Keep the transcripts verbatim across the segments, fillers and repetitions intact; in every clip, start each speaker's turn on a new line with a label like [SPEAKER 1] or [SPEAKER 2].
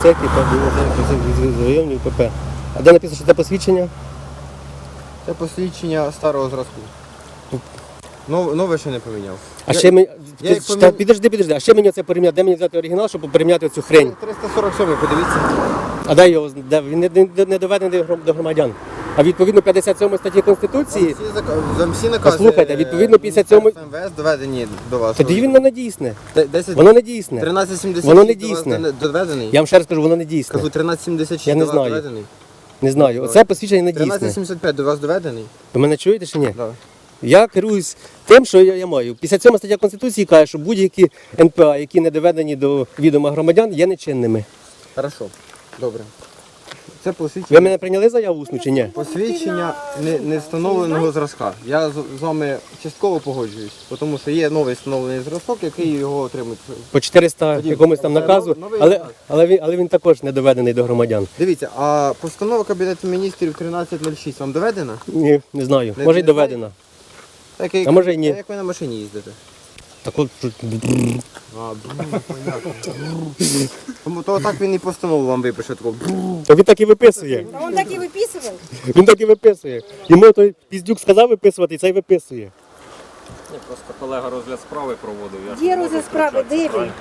[SPEAKER 1] Це районів ПП. А де написано, що це посвідчення?
[SPEAKER 2] Це посвідчення старого зразку. Нов- Нове ще не поміняв.
[SPEAKER 1] А
[SPEAKER 2] Я-
[SPEAKER 1] ще мені.
[SPEAKER 2] я
[SPEAKER 1] Ти-
[SPEAKER 2] їх
[SPEAKER 1] та
[SPEAKER 2] помі-
[SPEAKER 1] Підожди, підожди, а ще мені це порівняти, де мені взяти оригінал, щоб порівняти цю хрень.
[SPEAKER 2] триста сорок сьомий, подивіться.
[SPEAKER 1] А де його? Де? Він не, не, не доведений до гром- до громадян. А відповідно п'ятдесят сьомої статті Конституції,
[SPEAKER 2] Всі, зака- за всі накази
[SPEAKER 1] Послухайте, відповідно, п'ятдесят сьомої
[SPEAKER 2] МВС доведені до вас.
[SPEAKER 1] тоді воно не дійсне.
[SPEAKER 2] Д- десять-
[SPEAKER 1] Воно не дійсне.
[SPEAKER 2] тринадцять сімдесят
[SPEAKER 1] Воно не
[SPEAKER 2] шість до вас
[SPEAKER 1] дійсне.
[SPEAKER 2] не- доведений?
[SPEAKER 1] Я вам ще раз кажу, воно не дійсне.
[SPEAKER 2] Кажу, тринадцять сімдесят шість
[SPEAKER 1] Я не
[SPEAKER 2] до вас
[SPEAKER 1] знаю.
[SPEAKER 2] доведений?
[SPEAKER 1] Не знаю. Оце посвідчення не
[SPEAKER 2] тринадцять
[SPEAKER 1] дійсне.
[SPEAKER 2] сімдесят п'ять до вас доведений?
[SPEAKER 1] Ви мене чуєте чи ні?
[SPEAKER 2] Да.
[SPEAKER 1] Я керуюсь тим, що я, я маю. п'ятдесят сьома стаття Конституції каже, що будь-які ен пе а, які не доведені до відома громадян, є нечинними.
[SPEAKER 2] Хорошо, добре. Це
[SPEAKER 1] Ви
[SPEAKER 2] посвідчення,
[SPEAKER 1] мене прийняли заяву усну чи ні?
[SPEAKER 2] посвідчення не, не встановленого зразка. Я з, з вами частково погоджуюсь, тому що є новий встановлений зразок, який його отримують.
[SPEAKER 1] По чотириста
[SPEAKER 2] Тоді,
[SPEAKER 1] якомусь там
[SPEAKER 2] це
[SPEAKER 1] наказу,
[SPEAKER 2] новий
[SPEAKER 1] але,
[SPEAKER 2] наказ.
[SPEAKER 1] але, він, але він також не доведений до громадян.
[SPEAKER 2] Дивіться, а постанова Кабінету міністрів тринадцять нуль шість вам доведена?
[SPEAKER 1] Ні, не знаю.
[SPEAKER 2] Не-
[SPEAKER 1] Може й
[SPEAKER 2] не
[SPEAKER 1] доведена.
[SPEAKER 2] Так, як,
[SPEAKER 1] А може й ні.
[SPEAKER 2] Як ви на машині їздите?
[SPEAKER 1] Так от,
[SPEAKER 2] А, бррр, понятно. Тому то так він і постанову вам випише такого. бррр.
[SPEAKER 1] то він так і виписує.
[SPEAKER 3] А он так и выписывал?
[SPEAKER 1] Він так і виписує. Йому той піздюк сказав виписувати, і цей виписує.
[SPEAKER 4] Ні, просто колега розгляд справи проводив. Я ж
[SPEAKER 3] Где
[SPEAKER 4] не можу
[SPEAKER 3] розгляд справи?
[SPEAKER 4] втручатися,
[SPEAKER 3] Де він?
[SPEAKER 4] правильно?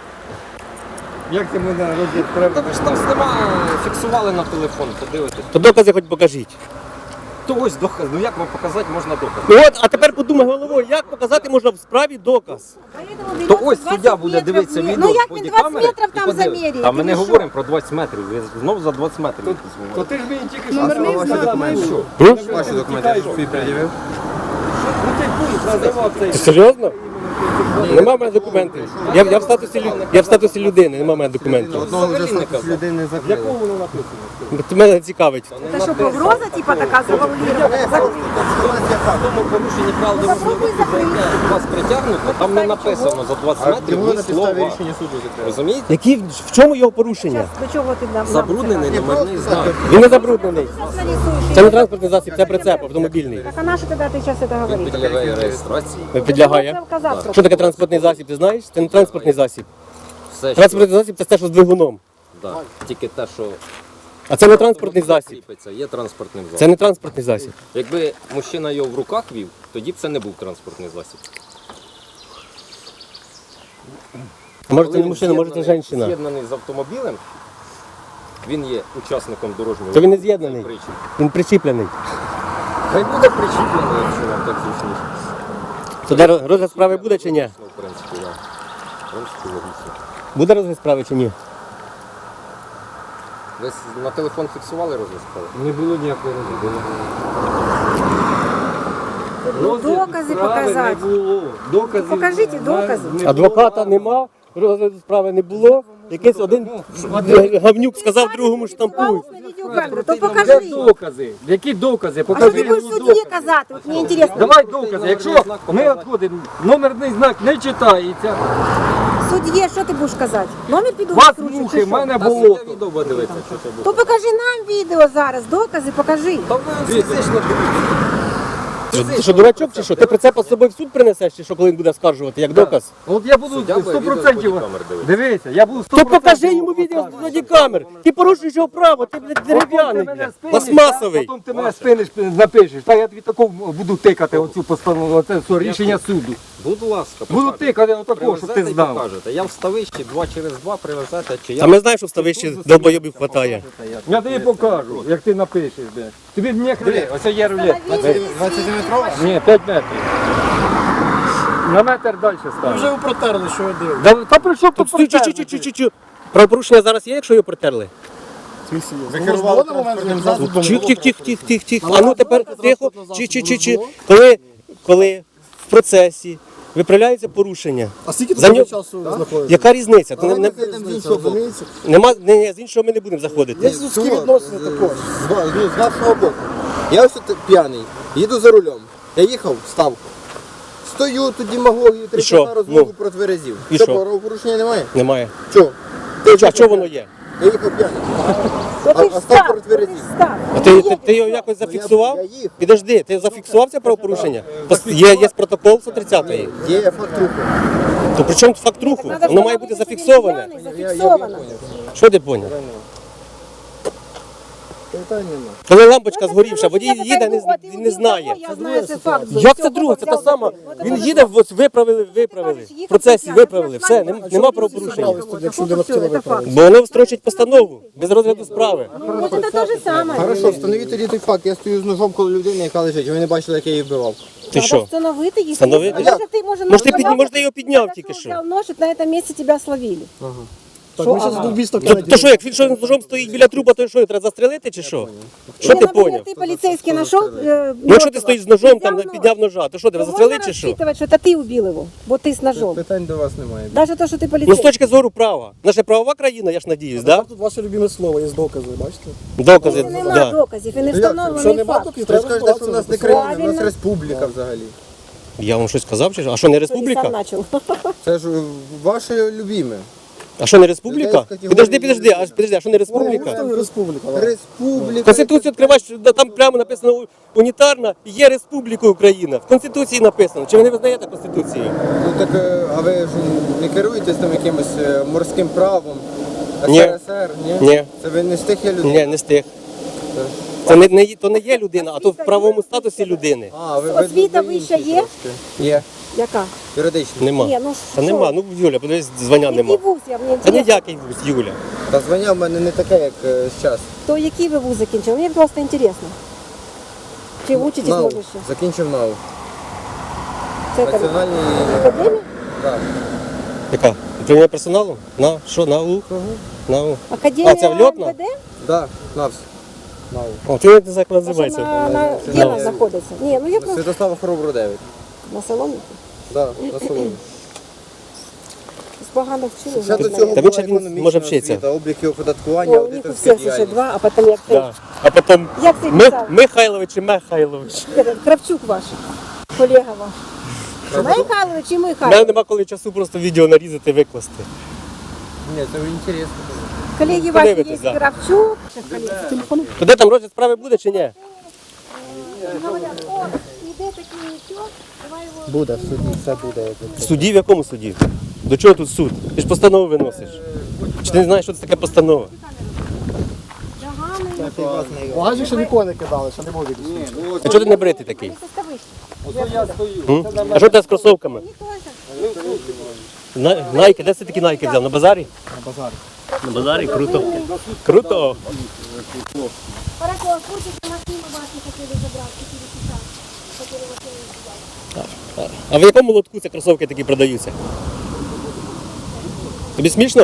[SPEAKER 2] Як це можна розгляд справи?
[SPEAKER 4] Та ви ж там знімали, фіксували на телефон, подивитесь.
[SPEAKER 1] То докази хоч покажіть.
[SPEAKER 4] То ось доказ, ну як вам показати можна доказ?
[SPEAKER 1] Ну от, а тепер подумай головою, як показати можна в справі доказ.
[SPEAKER 3] Поэтому
[SPEAKER 4] То
[SPEAKER 3] берется
[SPEAKER 4] ось
[SPEAKER 3] двадцать
[SPEAKER 4] суддя буде
[SPEAKER 3] метров
[SPEAKER 4] дивитися
[SPEAKER 3] вверх.
[SPEAKER 4] відео
[SPEAKER 3] Ну
[SPEAKER 4] з
[SPEAKER 3] як він двадцять
[SPEAKER 4] бодікамери
[SPEAKER 3] метрів
[SPEAKER 4] і
[SPEAKER 3] там
[SPEAKER 4] подивиться.
[SPEAKER 3] заміряє?
[SPEAKER 4] А ми не
[SPEAKER 3] Ти що?
[SPEAKER 4] говоримо про двадцять метрів, ви знов за двадцять метрів якісь
[SPEAKER 5] То
[SPEAKER 4] говорите.
[SPEAKER 5] ти ж мені тільки що
[SPEAKER 3] Номерний
[SPEAKER 5] сказав,
[SPEAKER 3] знак,
[SPEAKER 5] що
[SPEAKER 2] маєш.
[SPEAKER 5] що?
[SPEAKER 1] Ну?
[SPEAKER 2] Ваші документи свій пред'явив?
[SPEAKER 5] Ну ти пункт називав цей.
[SPEAKER 1] Ти серйозно? Нема в мене документів. Я, я, в статусі, лю- я в статусі людини, нема в мене документів.
[SPEAKER 2] Одного вже
[SPEAKER 4] Взагалі не
[SPEAKER 2] статус
[SPEAKER 4] казав.
[SPEAKER 2] людини закрили.
[SPEAKER 5] Якого воно написано?
[SPEAKER 1] Це мене цікавить.
[SPEAKER 3] Это что, погроза типа такая завуалирована?
[SPEAKER 4] В тому порушенні прав дорожнього руху, за яке вас притягнуто, там не написано за двадцять
[SPEAKER 2] А
[SPEAKER 4] метрів
[SPEAKER 2] його
[SPEAKER 4] ні
[SPEAKER 2] на підставі
[SPEAKER 4] слова.
[SPEAKER 2] рішення суду закрили.
[SPEAKER 4] Розумієте?
[SPEAKER 1] Які, в чому його порушення?
[SPEAKER 3] До чого ти нам?
[SPEAKER 4] Забруднений номерний знак.
[SPEAKER 1] Він не забруднений.
[SPEAKER 3] Сейчас нарисуешь.
[SPEAKER 1] Це не транспортний засіб, це прицеп автомобільний.
[SPEAKER 3] Так а на что тогда ты сейчас это говоришь?
[SPEAKER 4] Підлягає реєстрації.
[SPEAKER 1] Підлягає.
[SPEAKER 3] Казав,
[SPEAKER 1] Що таке транспортний засіб, ти знаєш? Це не транспортний засіб.
[SPEAKER 4] Все, що
[SPEAKER 1] Транспортний засіб це те, що з двигуном.
[SPEAKER 4] да, тільки те, що
[SPEAKER 1] А це не транспортний засіб.
[SPEAKER 4] кріпиться, є транспортним засобом.
[SPEAKER 1] Це не транспортний засіб.
[SPEAKER 4] Якби мужчина його в руках вів, тоді б це не був транспортний засіб.
[SPEAKER 1] Може це
[SPEAKER 4] Коли
[SPEAKER 1] не
[SPEAKER 4] він
[SPEAKER 1] мужчина, може це
[SPEAKER 4] з'єднаний-
[SPEAKER 1] жінка.
[SPEAKER 4] З'єднаний з автомобілем, він є учасником дорожнього
[SPEAKER 1] То він не
[SPEAKER 4] руху.
[SPEAKER 1] з'єднаний.
[SPEAKER 4] Причіп.
[SPEAKER 1] Він причіплений.
[SPEAKER 4] Хай буде причіплений, якщо вам так зручніше.
[SPEAKER 1] То де роз- розгляд справи буде чи ні?
[SPEAKER 4] Ну, в принципі, так. В принципі, логічно.
[SPEAKER 1] Буде розгляд справи чи ні?
[SPEAKER 4] Ви с- на телефон фіксували розгляд справи?
[SPEAKER 5] Не було ніякого розгляду.
[SPEAKER 3] Ну, докази
[SPEAKER 5] Справи
[SPEAKER 3] показати.
[SPEAKER 5] Не було. Доказів
[SPEAKER 3] Покажіть
[SPEAKER 5] на-
[SPEAKER 3] докази.
[SPEAKER 5] не було.
[SPEAKER 1] Адвоката нема, розгляду справи не було. Якийсь один гавнюк сказав другому штампуй.
[SPEAKER 3] На видеокамеру, то
[SPEAKER 5] Де
[SPEAKER 3] покажи.
[SPEAKER 5] докази? Які докази?
[SPEAKER 3] А що
[SPEAKER 5] Покажи
[SPEAKER 3] ти будеш
[SPEAKER 5] мені
[SPEAKER 3] судді
[SPEAKER 5] докази.
[SPEAKER 3] казати? От мені інтересно.
[SPEAKER 5] Давай докази. Якщо ми відходимо, номерний знак не читається,
[SPEAKER 3] Судді, що ти будеш казати? Номер піду
[SPEAKER 5] вас
[SPEAKER 3] відкручу,
[SPEAKER 5] мухи,
[SPEAKER 3] чи
[SPEAKER 5] в
[SPEAKER 3] що?
[SPEAKER 5] мене
[SPEAKER 4] Та
[SPEAKER 5] було.
[SPEAKER 4] суддя відео буде дивитися, що це
[SPEAKER 3] То
[SPEAKER 4] буде.
[SPEAKER 3] покажи нам відео зараз, докази покажи.
[SPEAKER 4] Та ви фізично
[SPEAKER 1] Ти що, дурачок чи що? Ти прицепа з собою в суд принесеш, чи що, коли він буде скаржувати, як доказ?
[SPEAKER 5] От я буду
[SPEAKER 4] Суддя буде
[SPEAKER 5] сто
[SPEAKER 4] відео з
[SPEAKER 5] процентів.
[SPEAKER 4] бодікамер дивитися.
[SPEAKER 5] Дивися, я буду сто
[SPEAKER 1] То
[SPEAKER 5] процентів.
[SPEAKER 1] покажи йому відео з бодікамер. Ти порушуєш його право, ти, блядь, дерев'яний, блядь,
[SPEAKER 5] спиниш,
[SPEAKER 1] пластмасовий.
[SPEAKER 5] Потім ти мене спиниш, напишеш. Та я тобі такого буду тикати оцю постанову, оце все, рішення суду.
[SPEAKER 4] Будь ласка,
[SPEAKER 5] Буду
[SPEAKER 4] покажете.
[SPEAKER 5] тикати отакого, щоб ти
[SPEAKER 4] Привезете і
[SPEAKER 5] знав.
[SPEAKER 4] покажете. Я в ставищі два через два привезете, чи
[SPEAKER 1] А
[SPEAKER 4] я
[SPEAKER 1] ми знаємо, що в ставищі долбойобів хватає.
[SPEAKER 5] Я тобі покажу, як ти напишеш, блядь. Тобі не хрен, ось є рулет.
[SPEAKER 2] двадцятиметрова?
[SPEAKER 5] Ні, п'ять метрів. На метр далі став.
[SPEAKER 6] Вже ви протерли, що ви дивитесь.
[SPEAKER 5] Да, та при що
[SPEAKER 1] Тут
[SPEAKER 5] тут
[SPEAKER 1] чу чу чу чу чу чу Правопорушення зараз є, якщо його протерли?
[SPEAKER 2] Ви керували транспортним засобом?
[SPEAKER 1] Тих, тих, тих, тих, тих, тих. А ну тепер тихо, чи чи чи чи коли, коли в процесі виправляється порушення.
[SPEAKER 6] А скільки
[SPEAKER 1] За
[SPEAKER 6] тут
[SPEAKER 1] нього-
[SPEAKER 6] часу знаходиться?
[SPEAKER 1] Яка різниця? То не, не,
[SPEAKER 2] з іншого боку.
[SPEAKER 1] нема, не, не, з іншого ми не будемо заходити.
[SPEAKER 6] Є людські відносини також.
[SPEAKER 2] З, ва- ну, з нашого боку. Я ось тут п'яний, їду за рулем. Я їхав в ставку. Стою тут демагогію,
[SPEAKER 1] І що?
[SPEAKER 2] тридцять розмову
[SPEAKER 1] Ну.
[SPEAKER 2] про тверезів.
[SPEAKER 1] І
[SPEAKER 2] Що,
[SPEAKER 1] що?
[SPEAKER 2] правопорушення немає?
[SPEAKER 1] Немає.
[SPEAKER 2] Чого?
[SPEAKER 1] А що воно є?
[SPEAKER 2] Я їхав п'яний.
[SPEAKER 3] То ти
[SPEAKER 2] А-
[SPEAKER 3] ж
[SPEAKER 2] а став
[SPEAKER 3] став,
[SPEAKER 2] проти
[SPEAKER 3] то ти
[SPEAKER 2] тверезів.
[SPEAKER 3] ж став.
[SPEAKER 1] А ти, ти, ти його якось зафіксував?
[SPEAKER 2] я їхав.
[SPEAKER 1] Підожди, ти зафіксував це правопорушення? Пос- Є, є протокол сто тридцятої.
[SPEAKER 2] Є факт руху.
[SPEAKER 1] То при чому тут факт руху?
[SPEAKER 3] Надо
[SPEAKER 1] Воно має бути
[SPEAKER 3] встановити, що він
[SPEAKER 1] зафіксоване.
[SPEAKER 3] п'яний, зафіксовано.
[SPEAKER 1] Що ти поняв?
[SPEAKER 6] питань нема.
[SPEAKER 1] Коли лампочка згорівша, водій їде, не,
[SPEAKER 3] От,
[SPEAKER 1] не знає.
[SPEAKER 3] Я знаю, це факт.
[SPEAKER 1] Як це друге? Це та сама. Він їде, ось виправили, виправили. В процесі виправили. Все, нем- нема правопорушення.
[SPEAKER 6] Якщо людина хотіла виправити.
[SPEAKER 1] Бо воно строчить постанову без розгляду справи.
[SPEAKER 3] Ну, це те ж саме.
[SPEAKER 2] Хорошо, встановіть тоді той факт. Я стою з ножом коло людини, яка лежить. Ви не бачили, як я її вбивав.
[SPEAKER 1] Ти що?
[SPEAKER 3] Встановити їх.
[SPEAKER 1] Встановити?
[SPEAKER 3] Може, ти, може,
[SPEAKER 1] Може, ти
[SPEAKER 3] нож
[SPEAKER 1] підні-
[SPEAKER 3] взяв,
[SPEAKER 1] може, ти його підняв
[SPEAKER 3] подошел,
[SPEAKER 1] тільки що?
[SPEAKER 3] взяв нож, і на цьому місці тебе словили.
[SPEAKER 6] Так, ми зараз вбивство
[SPEAKER 1] То, то що, як він що з ножом стоїть біля труба, то що, треба застрелити чи що? Що ти
[SPEAKER 3] наприклад,
[SPEAKER 1] поняв?
[SPEAKER 3] ти поліцейський знайшов е,
[SPEAKER 1] Ну якщо ти стоїш з ножом, там
[SPEAKER 3] підняв
[SPEAKER 1] підняв ножа, то що, тебе
[SPEAKER 3] то
[SPEAKER 1] застрелити
[SPEAKER 3] можна
[SPEAKER 1] чи що?
[SPEAKER 3] розчитувати, що це ти убив його, бо ти з ножом.
[SPEAKER 2] Питань до вас немає.
[SPEAKER 3] Навіть те, що ти
[SPEAKER 1] Ну з
[SPEAKER 3] поліцейський.
[SPEAKER 1] точки зору права. Наша правова країна, я ж надіюсь, да?
[SPEAKER 6] Тут ваше любиме слово, є докази, бачите?
[SPEAKER 1] Докази,
[SPEAKER 3] Нема
[SPEAKER 1] да.
[SPEAKER 3] доказів і не
[SPEAKER 2] Що
[SPEAKER 3] встановлений
[SPEAKER 6] нема
[SPEAKER 3] факт.
[SPEAKER 6] доказів,
[SPEAKER 2] Ви ж
[SPEAKER 6] треба
[SPEAKER 2] кажете, що в нас не країна, в нас
[SPEAKER 3] Правильно.
[SPEAKER 2] республіка взагалі.
[SPEAKER 1] Я вам щось сказав чи що? А що не
[SPEAKER 3] Ти сам
[SPEAKER 1] республіка?
[SPEAKER 3] почав.
[SPEAKER 2] Це ж е, ваше любіме.
[SPEAKER 1] А що не республіка?
[SPEAKER 2] Людей з категорії
[SPEAKER 1] Підожди, підожди, а підожди, а що не республіка?
[SPEAKER 6] Це республіка. ладно.
[SPEAKER 2] Республіка.
[SPEAKER 1] Конституцію відкриваєш, да, там прямо написано унітарна, є Республіка Україна. В Конституції написано. Чи ви не визнаєте Конституцію?
[SPEAKER 2] Ну так, е, а ви ж не керуєтесь там якимось е, морським правом?
[SPEAKER 1] Ні.
[SPEAKER 2] ес ер ес ер, ні?
[SPEAKER 1] Ні.
[SPEAKER 2] Це ви не з тих є людей?
[SPEAKER 1] Ні, не з тих. Це не, не, є- то не є людина, а то в правовому статусі людини.
[SPEAKER 2] А, ви, ви,
[SPEAKER 3] Освіта
[SPEAKER 2] ви
[SPEAKER 3] вища
[SPEAKER 2] інші
[SPEAKER 3] є?
[SPEAKER 2] трошки. Є.
[SPEAKER 3] Яка?
[SPEAKER 2] Юридично.
[SPEAKER 1] Нема.
[SPEAKER 3] Ні, ну
[SPEAKER 1] Та
[SPEAKER 3] що?
[SPEAKER 1] нема. Ну, Юля, подивись, звання нема.
[SPEAKER 3] Який вуз, я мені
[SPEAKER 1] Та
[SPEAKER 3] інтересно.
[SPEAKER 1] ніякий вуз, Юля.
[SPEAKER 2] Та звання в мене не таке, як е, зараз.
[SPEAKER 3] То який ви вуз закінчили? Мені просто інтересно. Чи учитесь
[SPEAKER 2] НАУ.
[SPEAKER 3] може ще?
[SPEAKER 2] Закінчив НАУ.
[SPEAKER 3] Це там
[SPEAKER 2] Національний...
[SPEAKER 3] академія?
[SPEAKER 2] Так.
[SPEAKER 1] Яка? Управління персоналу? На що? На У? На У.
[SPEAKER 3] Академія
[SPEAKER 1] А, це в льотна?
[SPEAKER 3] ем ве де?
[SPEAKER 2] Да, НАВС.
[SPEAKER 1] О, ти не знаю, як вона
[SPEAKER 3] А що
[SPEAKER 1] називається.
[SPEAKER 3] на, на, де вона знаходиться? Ні, ну я просто
[SPEAKER 2] Святослава Хоробру дев'ять.
[SPEAKER 3] на салоні.
[SPEAKER 2] Да, на Соломі.
[SPEAKER 3] Погано вчили.
[SPEAKER 2] Ще до
[SPEAKER 3] навіть.
[SPEAKER 2] цього
[SPEAKER 1] Та
[SPEAKER 2] була
[SPEAKER 1] він ще він
[SPEAKER 2] економічна
[SPEAKER 1] може вчитися.
[SPEAKER 2] освіта, облік і оподаткування,
[SPEAKER 3] О, у них у
[SPEAKER 2] аудиторська
[SPEAKER 3] всіх ще
[SPEAKER 2] діяльність.
[SPEAKER 3] два, а потім як ти.
[SPEAKER 1] Да. А потім
[SPEAKER 3] Як ти
[SPEAKER 1] Ми,
[SPEAKER 3] писав?
[SPEAKER 1] Михайлович і Михайлович.
[SPEAKER 3] Кравчук ваш, колега ваш. Михайлович і
[SPEAKER 1] У мене
[SPEAKER 3] Михайлович.
[SPEAKER 1] нема коли часу просто відео нарізати, викласти.
[SPEAKER 2] Ні, це інтересно.
[SPEAKER 3] Колеги ваші є
[SPEAKER 1] Подивитесь, да.
[SPEAKER 3] Кравчук.
[SPEAKER 1] То де там розгляд справи буде чи ні?
[SPEAKER 3] Говорять, о, іде такий нічого, давай його.
[SPEAKER 2] Буде, в суді все буде.
[SPEAKER 1] В суді? В якому суді? До чого тут суд? Ти ж постанову виносиш. Чи ти не знаєш, що це таке постанова?
[SPEAKER 6] Багажник ще ніколи не кидали, ще не можуть.
[SPEAKER 1] А чого ти не бритий такий?
[SPEAKER 5] Я стою.
[SPEAKER 1] М? А що ти з кросовками? На- Найки, де ти такі найки взяв? На базарі? На базарі. На базарі? Круто. Круто.
[SPEAKER 3] Хорошо, а курсите машину вашу хотіли забрати, хотіли писати. Хотіли машину забрати.
[SPEAKER 1] А в якому лотку ці кросовки такі продаються? Тобі смішно?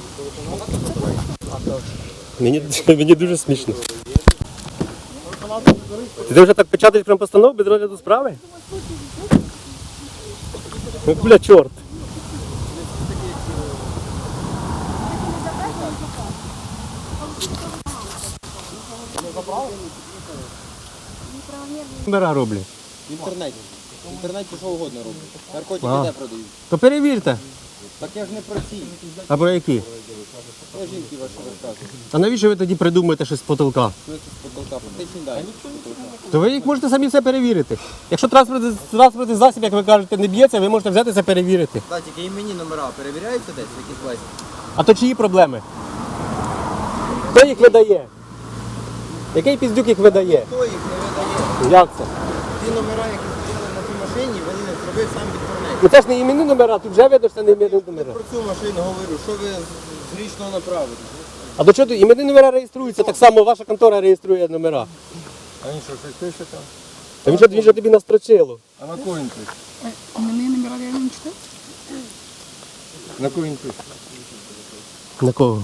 [SPEAKER 1] Мені, мені дуже смішно. Ти вже так печатаєш прям постанову без розгляду справи? Ну, бля, чорт. Номера роблять.
[SPEAKER 2] В інтернеті. В інтернеті що угодно роблять. Наркотики
[SPEAKER 1] А.
[SPEAKER 2] де продають?
[SPEAKER 1] То перевірте.
[SPEAKER 2] Так я ж не про ці.
[SPEAKER 1] А про які?
[SPEAKER 2] Про жінки ваші розказують.
[SPEAKER 1] А навіщо ви тоді придумуєте щось з потолка?
[SPEAKER 2] Що це з потолка? Практичні дані.
[SPEAKER 1] То ви їх можете самі все перевірити. Якщо транспортний, транспортний засіб, як ви кажете, не б'ється, ви можете взяти це перевірити.
[SPEAKER 2] Так, тільки іменні номера перевіряються десь в якійсь класі?
[SPEAKER 1] А то чиї проблеми? Хто їх видає? Який піздюк їх видає?
[SPEAKER 2] Хто їх не видає?
[SPEAKER 1] Як це?
[SPEAKER 2] Ті номера, які стояли на тій машині, вони не зробив сам в інтернеті.
[SPEAKER 1] Ну це ж не іменні номера, тут вже видно, що це не іменні номера.
[SPEAKER 2] Про цю машину говорю, що ви з- з річного направили?
[SPEAKER 1] А до чого тут іменні номера реєструються, так само ваша контора реєструє номера.
[SPEAKER 5] А він що, щось пише там?
[SPEAKER 1] Та він що, він же тобі настрочило.
[SPEAKER 5] А на кого він пише?
[SPEAKER 7] Именные номера реально не читать?
[SPEAKER 5] На кого він пише?
[SPEAKER 1] На кого?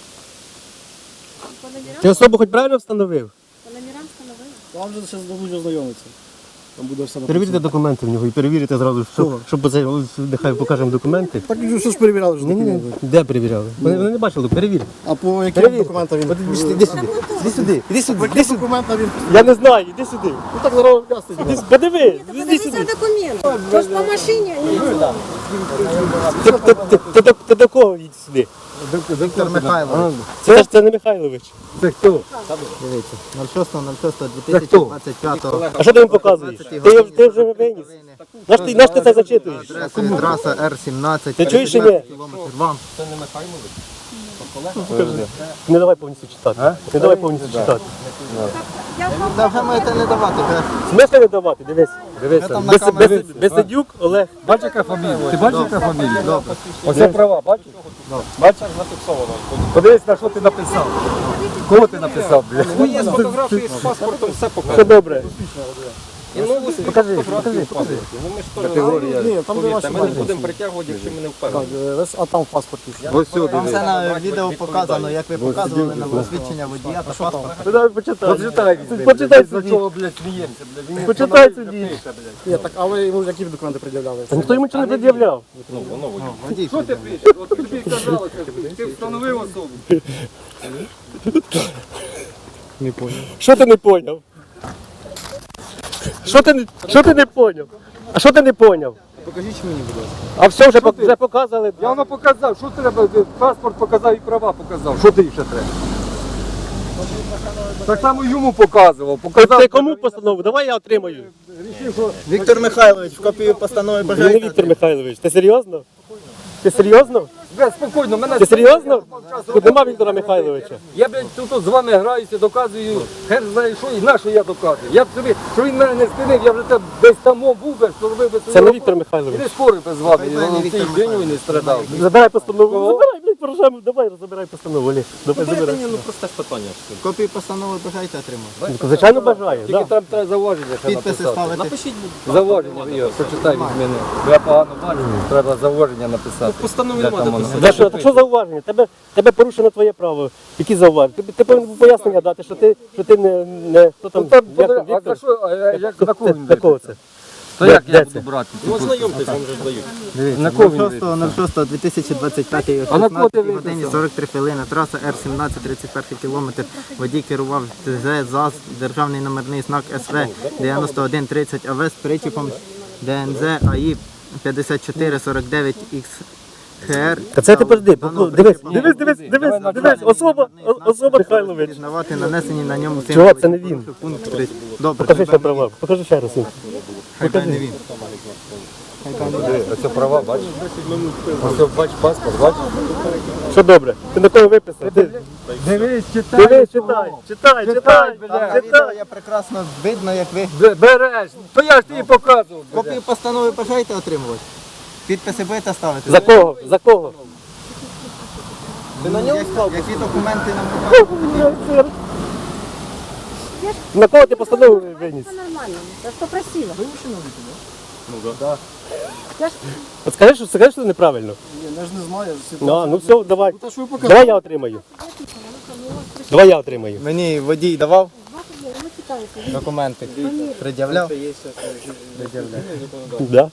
[SPEAKER 1] Ти особу хоч правильно встановив?
[SPEAKER 6] Вам же зараз дадуть ознайомитися. Там буде все
[SPEAKER 1] Перевірте документи в нього і перевірите зразу, щоб, щоб це, ось, нехай покажемо документи.
[SPEAKER 6] Так що ж перевіряли вже
[SPEAKER 1] Ні, ні, ні.
[SPEAKER 6] документи.
[SPEAKER 1] Де перевіряли? Вони, вони не бачили, перевір.
[SPEAKER 6] А по яким
[SPEAKER 1] Перевір.
[SPEAKER 6] документам він?
[SPEAKER 1] От Іди сюди, іди сюди, іди сюди, іди сюди, іди сюди.
[SPEAKER 6] Документам він?
[SPEAKER 1] Я не знаю, іди сюди.
[SPEAKER 6] Ну так зараз ясно.
[SPEAKER 1] Іди, подиви, іди
[SPEAKER 3] Подивіться
[SPEAKER 1] сюди.
[SPEAKER 3] документ. Тож по машині, а не
[SPEAKER 1] Ти, ти, ти, ти, до- ти до кого їдь сюди?
[SPEAKER 2] Віктор Михайлович.
[SPEAKER 1] Це ж це не Михайлович.
[SPEAKER 5] Це хто?
[SPEAKER 2] Дивіться, шостого шостого дві тисячі двадцять п'ятого.
[SPEAKER 1] А що ти їм показуєш? Ти, його- ти вже виніс. Наш ти, наш ти це зачитуєш?
[SPEAKER 2] Траса ер сімнадцять.
[SPEAKER 1] Ти чуєш чи ні?
[SPEAKER 2] Кілометр вам.
[SPEAKER 1] Не давай повністю читати. Не давай повністю читати.
[SPEAKER 2] Та вже можете не давати. вже.
[SPEAKER 1] В смислі не давати? Дивись. Дивися.
[SPEAKER 2] там на
[SPEAKER 1] Без-
[SPEAKER 2] камері.
[SPEAKER 1] без- Безсидюк Олег.
[SPEAKER 5] Бачиш, яка фамілія? Ти бачиш, яка фамілія? Оце права, бачиш? Бачиш? Подивись, на що ти написав. Кого ти написав, блядь?
[SPEAKER 4] Ну, є з фотографії з паспортом, все
[SPEAKER 1] Все
[SPEAKER 4] покажу.
[SPEAKER 1] добре.
[SPEAKER 4] І нову
[SPEAKER 1] Покажи,
[SPEAKER 4] фотографію
[SPEAKER 1] покажи, покажи.
[SPEAKER 4] Ну ми ж теж,
[SPEAKER 6] Ні, там де ваші
[SPEAKER 4] повірте, ми не будемо притягувати, якщо ми не впевнені.
[SPEAKER 6] Так, е, весь- а там в паспорті.
[SPEAKER 5] Ось сюди.
[SPEAKER 2] Там все на відео показано, як ви показували на посвідчення водія та паспорта.
[SPEAKER 1] Ну, давай почитай.
[SPEAKER 5] Почитай,
[SPEAKER 1] Почитай
[SPEAKER 5] за
[SPEAKER 1] собі.
[SPEAKER 5] чого, блядь, сміємося, блядь. Він
[SPEAKER 1] Почитай собі.
[SPEAKER 6] Ні, так, а ви йому які документи пред'являли?
[SPEAKER 1] Та ніхто йому нічого не пред'являв.
[SPEAKER 2] Водій.
[SPEAKER 5] Що ти пишеш? От тобі казалося, ти встановив особу.
[SPEAKER 1] Що ти не поняв? Що ти, не- що ти не поняв? А що ти не поняв?
[SPEAKER 6] Покажіть мені, будь ласка.
[SPEAKER 1] А все вже, пок- вже показали.
[SPEAKER 5] Я воно показав, що треба, паспорт показав і права показав. Що ти ще треба? Так само йому показував, показав.
[SPEAKER 1] Ти кому постанову? Давай я отримаю.
[SPEAKER 2] Віктор Михайлович, копію постанови
[SPEAKER 1] Він не
[SPEAKER 2] бажаєте?
[SPEAKER 1] Віктор Михайлович. Ти серйозно? Ти серйозно?
[SPEAKER 5] Бля, спокійно, мене...
[SPEAKER 1] Ти серйозно? Тут нема Віктора Михайловича.
[SPEAKER 5] Я, блядь, тут, тут з вами граюся, доказую, хер знає що, і на що я доказую. Я б собі, що він мене не спинив, я вже там десь там був би, що робив би свою
[SPEAKER 1] Це не
[SPEAKER 5] роботу.
[SPEAKER 1] Віктор
[SPEAKER 5] І
[SPEAKER 1] Михайлович.
[SPEAKER 5] не спорив би з вами,
[SPEAKER 2] Хай
[SPEAKER 5] і
[SPEAKER 2] пані
[SPEAKER 5] воно
[SPEAKER 2] Віктор
[SPEAKER 5] цей день він не страдав.
[SPEAKER 1] Забирай постанову. Забирай, блядь, поражаємо. Давай, забирай постанову, Олег. Давай,
[SPEAKER 4] Дайте
[SPEAKER 1] забирай.
[SPEAKER 4] мені, ну просте ж питання.
[SPEAKER 2] Копію постанови бажаєте отримати?
[SPEAKER 1] Звичайно бажаю,
[SPEAKER 5] Тільки
[SPEAKER 1] так.
[SPEAKER 5] там треба зауваження ще
[SPEAKER 2] Підписи
[SPEAKER 5] написати.
[SPEAKER 2] ставити.
[SPEAKER 4] Напишіть, будь
[SPEAKER 5] Зауваження, Ігор, почитай від мене. Я погано бачу, треба зауваження написати.
[SPEAKER 4] В постанові
[SPEAKER 5] Де
[SPEAKER 4] нема
[SPEAKER 5] там
[SPEAKER 4] де
[SPEAKER 5] воно?
[SPEAKER 4] писати.
[SPEAKER 1] За що? Так що зауваження? Тебе, тебе порушено твоє право. Які зауваження? Ти, ти повинен був пояснення дати, що ти, що ти не, не хто там,
[SPEAKER 5] Ну, там
[SPEAKER 1] як
[SPEAKER 5] буде-
[SPEAKER 1] там,
[SPEAKER 5] а за
[SPEAKER 1] Віктор?
[SPEAKER 5] що, а як, на кого він
[SPEAKER 1] Для кого
[SPEAKER 5] виписав?
[SPEAKER 1] це?
[SPEAKER 5] То
[SPEAKER 1] Де-
[SPEAKER 5] як
[SPEAKER 1] де
[SPEAKER 5] я
[SPEAKER 1] це?
[SPEAKER 5] буду брати?
[SPEAKER 4] Ну, ознайомтесь, вам вже ж дають.
[SPEAKER 2] Дивіться,
[SPEAKER 5] На кого він
[SPEAKER 2] шостого ноль шостого дві тисячі двадцять п'ятий о
[SPEAKER 5] А на кого ти
[SPEAKER 2] шістнадцятій годині
[SPEAKER 5] виписав?
[SPEAKER 2] сорок три хвилини. Траса Р сімнадцять, тридцять перший кілометр. Водій керував ТЗ ЗАЗ, державний номерний знак ес ве дев'яносто один тридцять АВ з причіпом Д Н З А І п'ятдесят чотири сорок дев'ять Ікс Х Р.
[SPEAKER 1] Та це ти подожди, ну, дивись, дивись, дивись, дивись, дивись, особа, о- особа Михайлович.
[SPEAKER 2] Пізнавати нанесені на ньому
[SPEAKER 1] Чого, це не він?
[SPEAKER 2] Пункт три. Добре,
[SPEAKER 1] Покажи ще права, покажи ще раз.
[SPEAKER 2] хай буде не він.
[SPEAKER 5] Оце права, бачиш? Ось бач паспорт, бачиш?
[SPEAKER 1] Що добре? Ти на кого виписав? Ти,
[SPEAKER 5] Дивись, читай.
[SPEAKER 1] дивись, читай, читай, читай,
[SPEAKER 2] Там на відео
[SPEAKER 1] читай.
[SPEAKER 2] я прекрасно видно, як ви.
[SPEAKER 5] Б- Береш, то я ж тобі показував.
[SPEAKER 2] Копію постанови бажаєте отримувати? Підписи будете ставити?
[SPEAKER 1] За кого? За кого?
[SPEAKER 2] Ви на ньому які документи нам
[SPEAKER 1] На кого ти постанову виніс?
[SPEAKER 3] Це нормально, це що просила.
[SPEAKER 1] От скажи, що, скажи, що це неправильно.
[SPEAKER 6] Ні, я ж не знаю. всі-
[SPEAKER 1] Ну, а, ну все, давай.
[SPEAKER 6] Та що ви покажете?
[SPEAKER 1] Давай я отримаю. Давай я отримаю.
[SPEAKER 2] Мені водій давав
[SPEAKER 3] Ми читаєте.
[SPEAKER 2] документи? Пред'являв?
[SPEAKER 1] Да.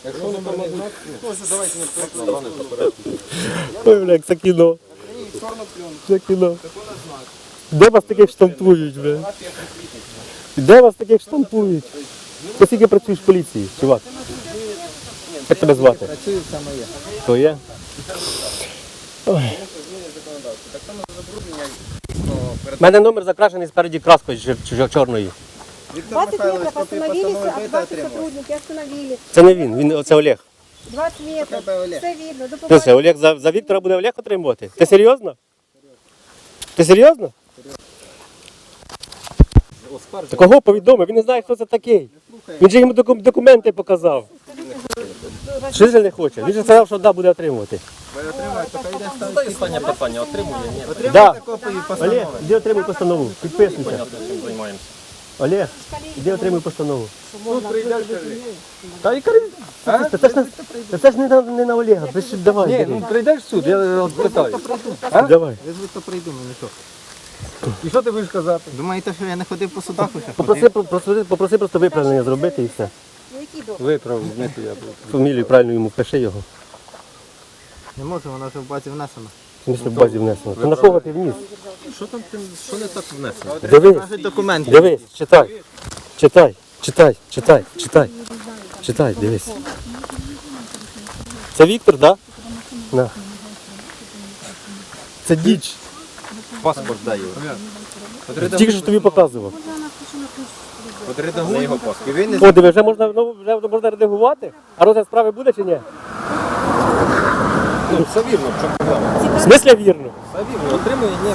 [SPEAKER 1] Ой, бля, як це кіно. Це кіно. Де вас таких штампують, бля? Де вас таких штампують? Ти скільки працюєш в поліції, чувак? Як тебе звати?
[SPEAKER 2] Працюю, це моє.
[SPEAKER 1] То є? Ой. У мене номер закрашений спереді краскою чор- чор- чорною.
[SPEAKER 2] Віктор
[SPEAKER 3] двадцять
[SPEAKER 2] Михайлович,
[SPEAKER 3] метров
[SPEAKER 2] копію
[SPEAKER 3] остановились,
[SPEAKER 2] постанови
[SPEAKER 3] а
[SPEAKER 2] будете
[SPEAKER 3] ваши
[SPEAKER 2] отримувати?
[SPEAKER 3] сотрудники остановили.
[SPEAKER 1] Це не він, він це Олег.
[SPEAKER 3] двадцять метров.
[SPEAKER 2] Тебе Олег.
[SPEAKER 3] Все видно. До
[SPEAKER 1] Що це,
[SPEAKER 3] побачення.
[SPEAKER 1] Олег за, за Віктора буде Олег отримувати? Ти серйозно? Ти серйозно? Та кого повідомив? Він не знає, хто це такий. Він же йому доку- документи показав. Що ж він не хоче? Він же сказав, що да, буде отримувати.
[SPEAKER 4] Задай останнє питання, отримує, ні.
[SPEAKER 2] Отримуєте
[SPEAKER 1] Да.
[SPEAKER 2] копію постанови?
[SPEAKER 1] Олег, іди отримуй постанову. Підписуйся.
[SPEAKER 4] Понятно, чим займаємося.
[SPEAKER 1] Олег, іди отримуй постанову. Та і кажи, це, це, ж не- це, це ж не на, не на Олега. Ви ж давай,
[SPEAKER 5] Ні,
[SPEAKER 1] бери.
[SPEAKER 5] ну прийдеш в суд, я от питаю.
[SPEAKER 1] Давай.
[SPEAKER 2] Визвуть, то прийду, мені що?
[SPEAKER 5] І що ти будеш казати?
[SPEAKER 2] Думаєте, що я не ходив по судах уже?
[SPEAKER 1] Попроси, попроси, попроси просто виправлення зробити і все.
[SPEAKER 3] Ну, які добре.
[SPEAKER 5] Виправ, не то я буду.
[SPEAKER 1] Фамілію правильно йому пиши його.
[SPEAKER 2] Не можу, вона вже в базі внесена.
[SPEAKER 1] В смысле в базі внесено. То на кого ти вніс?
[SPEAKER 4] Що там, ти- що не так внесено?
[SPEAKER 1] Дивись,
[SPEAKER 2] Кажуть документи.
[SPEAKER 1] дивись, читай. Читай, читай, читай, читай. Читай, дивись. Це Віктор, так? Да? На. Це діч.
[SPEAKER 4] Паспорт дай його.
[SPEAKER 1] Тільки що тобі показував.
[SPEAKER 4] Не його паспорт.
[SPEAKER 2] Ви не
[SPEAKER 1] О, диви, вже можна, ну, вже можна редагувати? А розгляд справи буде чи ні?
[SPEAKER 4] Ну, все вірно, в чому проблема.
[SPEAKER 1] В смислі вірно?
[SPEAKER 4] Все вірно, отримує ні.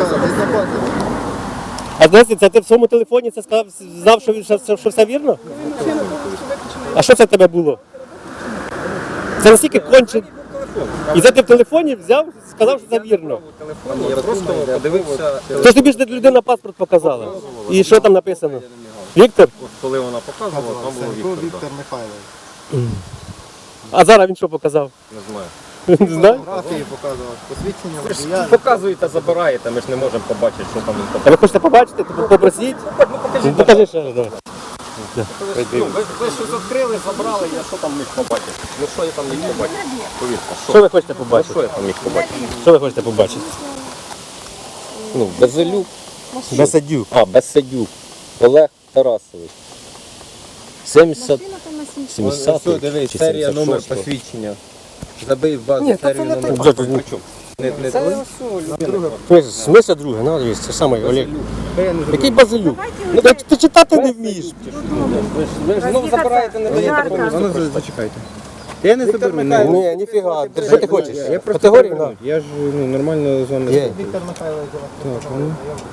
[SPEAKER 1] А знаєте, це ти в своєму телефоні це сказав, знав, що, він- що, що все вірно? А що це в тебе було? Це настільки конче. І це ти в телефоні взяв, сказав, що це вірно.
[SPEAKER 4] телефоні, я просто подивився,
[SPEAKER 1] То ж тобі ж людина паспорт показала. І що там написано? Віктор?
[SPEAKER 4] от коли вона показувала, там було Віктор.
[SPEAKER 2] Віктор Михайлович.
[SPEAKER 1] А зараз він що показав?
[SPEAKER 4] Не знаю.
[SPEAKER 1] Не знаю.
[SPEAKER 2] Фотографії показував, посвідчення
[SPEAKER 4] Ви ж
[SPEAKER 2] водія.
[SPEAKER 4] показуєте, забираєте, ми ж не можемо побачити, що там він
[SPEAKER 1] А
[SPEAKER 4] показує.
[SPEAKER 1] ви хочете побачити, то попросіть? Ну, покажи ще раз, давай.
[SPEAKER 4] Ну, ви, ви щось відкрили, забрали, я що там міг побачити? Ну що я там міг побачити? Повірте,
[SPEAKER 1] Що
[SPEAKER 4] що?
[SPEAKER 1] ви хочете
[SPEAKER 4] Ну,
[SPEAKER 1] побачити?
[SPEAKER 4] що я там міг побачити?
[SPEAKER 1] Що ви хочете побачити?
[SPEAKER 4] Ну, Безелюк.
[SPEAKER 1] Бесадюк.
[SPEAKER 4] А, Безсадюк. Олег Тарасович. сімдесят,
[SPEAKER 3] Машина там на сім.
[SPEAKER 4] сімдесят,
[SPEAKER 5] дивись,
[SPEAKER 4] чи
[SPEAKER 5] серія, номер
[SPEAKER 4] сімдесят шостого.
[SPEAKER 5] посвідчення. Забий в базу серію номер.
[SPEAKER 1] Вже тут не-
[SPEAKER 5] Не, не твій?
[SPEAKER 1] В смислі друге, ну дивись, це саме Олег. Який базилюк? Ну ти, ти читати не вмієш.
[SPEAKER 4] Ви ж знову забираєте, не даєте повністю.
[SPEAKER 5] Ну, зачекайте. Я не заберу. не-
[SPEAKER 1] Ні, ніфіга. Що ти хочеш?
[SPEAKER 5] Я просто
[SPEAKER 1] Категорію?
[SPEAKER 5] повернув. Я ж ну, нормально з вами.
[SPEAKER 1] Є.
[SPEAKER 2] Віктор Михайлович.
[SPEAKER 5] Так, ну.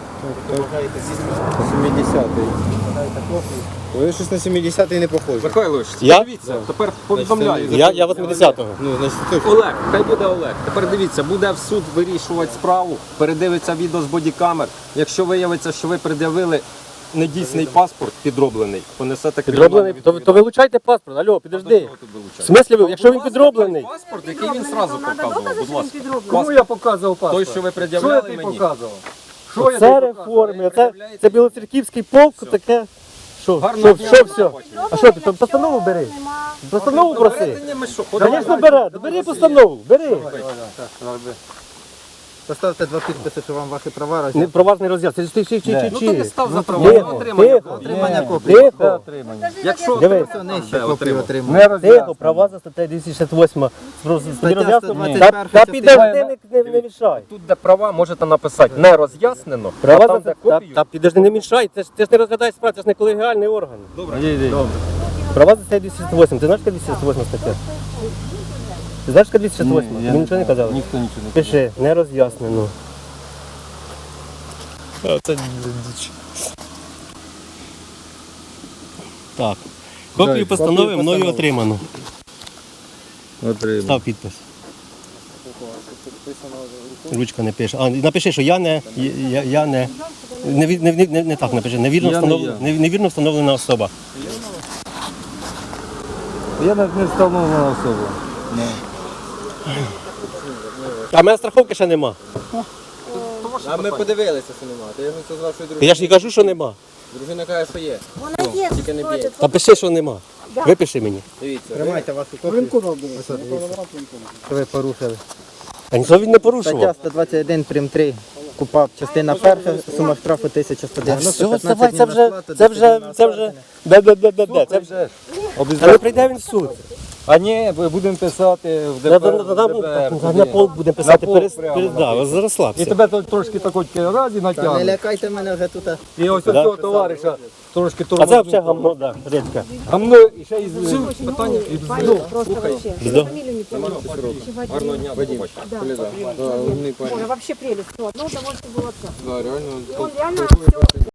[SPEAKER 5] сімдесятий. Ви щось на сімдесятий не похожі.
[SPEAKER 4] Михайлович,
[SPEAKER 1] Я?
[SPEAKER 4] дивіться, тепер повідомляю.
[SPEAKER 1] Я, я восьмидесятого.
[SPEAKER 5] Ну, значить, точно.
[SPEAKER 4] Олег, хай буде Олег. Тепер дивіться, буде в суд вирішувати справу, передивиться відео з бодікамер. Якщо виявиться, що ви пред'явили недійсний паспорт підроблений, понесете
[SPEAKER 1] Підроблений? То, то вилучайте паспорт. Алло, підожди. В смислі, ви- якщо він підроблений?
[SPEAKER 4] Паспорт, який він зразу показував, будь ласка.
[SPEAKER 5] Кому
[SPEAKER 4] Паспорт,
[SPEAKER 5] я показував
[SPEAKER 4] той,
[SPEAKER 5] паспорт?
[SPEAKER 4] що ви
[SPEAKER 5] Що я
[SPEAKER 4] пред'являли
[SPEAKER 5] тобі
[SPEAKER 4] мені.
[SPEAKER 5] показував? Що я
[SPEAKER 1] Це
[SPEAKER 5] тобі показував?
[SPEAKER 1] реформи, це, це білоцерківський полк, таке. Що,
[SPEAKER 4] Гарного
[SPEAKER 1] що,
[SPEAKER 4] дня.
[SPEAKER 1] що, все? А що ти, то постанову бери? Постанову проси.
[SPEAKER 4] Передані ми що, ходимо?
[SPEAKER 1] Звісно, бери, бери постанову, бери.
[SPEAKER 2] Поставте два підписи, що вам ваші права
[SPEAKER 1] Не,
[SPEAKER 2] роз'яснять.
[SPEAKER 1] про вас не роз'яснює. Ти, ти, ти, ти,
[SPEAKER 4] Ну то не став за права, на
[SPEAKER 1] Тихо,
[SPEAKER 4] отримання.
[SPEAKER 1] тихо,
[SPEAKER 2] Отримання копії.
[SPEAKER 1] тихо,
[SPEAKER 4] Якщо
[SPEAKER 1] дивись,
[SPEAKER 2] Нижче копію
[SPEAKER 4] отримав.
[SPEAKER 2] отримав.
[SPEAKER 5] Не роз'яснює.
[SPEAKER 1] тихо, права за статтею двісті шістдесят восьма. Тобі
[SPEAKER 2] Стаття
[SPEAKER 1] роз'яснено?
[SPEAKER 2] сто двадцять
[SPEAKER 1] Та,
[SPEAKER 2] перша
[SPEAKER 1] та
[SPEAKER 2] частина.
[SPEAKER 1] підожди, не, не, не мішай.
[SPEAKER 4] тут, де права, можете написати не роз'яснено, а
[SPEAKER 1] Права
[SPEAKER 4] там,
[SPEAKER 1] за
[SPEAKER 4] де
[SPEAKER 1] та,
[SPEAKER 4] копію.
[SPEAKER 1] та підожди, не мішай, це ж, ти ж не розглядаєш справу, це ж не колегіальний орган.
[SPEAKER 4] Добре.
[SPEAKER 1] Права за статтею двісті шістдесят восьма, ти знаєш, яка двісті шістдесят восьма стаття? Ти знаєш, яка двісті шістдесят восьма? Тобі нічого не казали?
[SPEAKER 5] Ніхто нічого не
[SPEAKER 1] Пиши, не роз'яснено. Це діч. Так. Копію
[SPEAKER 5] Дай,
[SPEAKER 1] постанови
[SPEAKER 5] копію
[SPEAKER 1] мною
[SPEAKER 5] постанови.
[SPEAKER 1] отримано.
[SPEAKER 5] отримав.
[SPEAKER 1] Став підпис. Ручка не пише. А, напиши, що я не, я, я не, не, ві- не, не, не, не так напиши, невірно,
[SPEAKER 5] Я не
[SPEAKER 1] встановлена,
[SPEAKER 5] я.
[SPEAKER 1] не- невірно встановлена особа.
[SPEAKER 5] Я навіть не встановлена особа.
[SPEAKER 1] А в мене страховки ще нема.
[SPEAKER 5] А ми подивилися, що немає. Я ж це з вашою дружиною.
[SPEAKER 1] Я ж і кажу, що нема.
[SPEAKER 5] Дружина каже, що є.
[SPEAKER 3] Вона є.
[SPEAKER 5] Тільки не б'є.
[SPEAKER 1] Та пиши, що нема. Випиши мені.
[SPEAKER 5] Дивіться.
[SPEAKER 2] Тримайте вашу копію.
[SPEAKER 6] Воєнкомат, до речі.
[SPEAKER 2] Що ви порушили.
[SPEAKER 1] А нічого він не
[SPEAKER 2] Стаття
[SPEAKER 1] порушував.
[SPEAKER 2] сто двадцять один прим три. КУПАП, частина перша, сума штрафу тисяча сто
[SPEAKER 1] Та
[SPEAKER 2] дев'яносто,
[SPEAKER 1] все,
[SPEAKER 2] п'ятнадцять
[SPEAKER 1] давай, це
[SPEAKER 2] днів
[SPEAKER 1] вже,
[SPEAKER 2] розплати,
[SPEAKER 1] це
[SPEAKER 2] десять
[SPEAKER 1] вже,
[SPEAKER 2] днів
[SPEAKER 1] це
[SPEAKER 2] на
[SPEAKER 1] вже,
[SPEAKER 2] сплату.
[SPEAKER 1] де, де, де, де, де, це вже, та не прийде він в суд.
[SPEAKER 5] А ні, ми будемо писати в
[SPEAKER 1] На,
[SPEAKER 5] ДБР.
[SPEAKER 1] на, на,
[SPEAKER 5] в ДБР,
[SPEAKER 1] на,
[SPEAKER 5] туди.
[SPEAKER 1] на полк будемо писати,
[SPEAKER 5] полк
[SPEAKER 1] перес,
[SPEAKER 5] прямо,
[SPEAKER 1] перес,
[SPEAKER 5] на
[SPEAKER 1] да,
[SPEAKER 5] полк. І
[SPEAKER 1] розслабся.
[SPEAKER 5] тебе тут трошки такої разі
[SPEAKER 2] Та не
[SPEAKER 5] натягнуть.
[SPEAKER 2] лякайте мене вже тут.
[SPEAKER 5] І ось
[SPEAKER 1] Да?
[SPEAKER 5] цього товариша трошки
[SPEAKER 1] А це
[SPEAKER 5] тормознув.
[SPEAKER 1] взагалі гамно, да, редька.
[SPEAKER 5] Гамно і ще із...
[SPEAKER 4] Питання.
[SPEAKER 3] Парень просто вообще.
[SPEAKER 1] Бздо.
[SPEAKER 3] Фамилию не помню.
[SPEAKER 4] Гарного дня, до побачення.
[SPEAKER 3] Да.
[SPEAKER 5] Да, умний парень.
[SPEAKER 3] Ой, вообще прелесть. Ну, одно удовольствие было отца.
[SPEAKER 5] Да, реально.
[SPEAKER 3] И он реально все